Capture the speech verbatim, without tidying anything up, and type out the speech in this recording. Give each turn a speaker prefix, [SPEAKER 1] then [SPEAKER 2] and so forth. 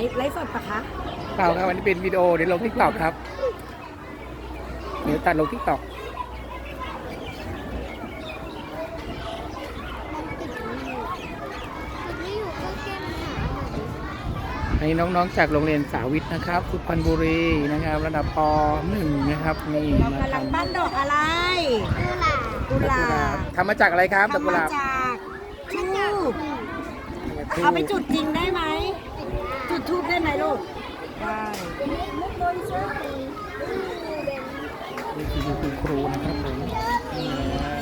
[SPEAKER 1] ฟ์ไลฟ์สดปะคะ
[SPEAKER 2] เปล่าครับวันนี้เป็นวิดีโอเดี๋ยวลงทิกตอกครับเดี๋ยวตัดลงทิกตอกให้น้องๆจากโรงเรียนสาวิทนะครับสุพรรณบุรีนะครับระดับป หนึ่งนะครับนี่
[SPEAKER 1] เรา
[SPEAKER 2] มาก
[SPEAKER 1] ำลัง
[SPEAKER 2] ทำ
[SPEAKER 1] ปั้นดอกอะไรกุหลาบ
[SPEAKER 2] ทำมาจากอะไรครับดอก
[SPEAKER 1] ทำ
[SPEAKER 2] กุห
[SPEAKER 1] มา
[SPEAKER 2] ลาบ
[SPEAKER 1] จากทูบเอาไปจุดจริงได้ไหมจุดทูบได้ไหมลูกได้
[SPEAKER 2] นี่คือคุณครูนะครับผม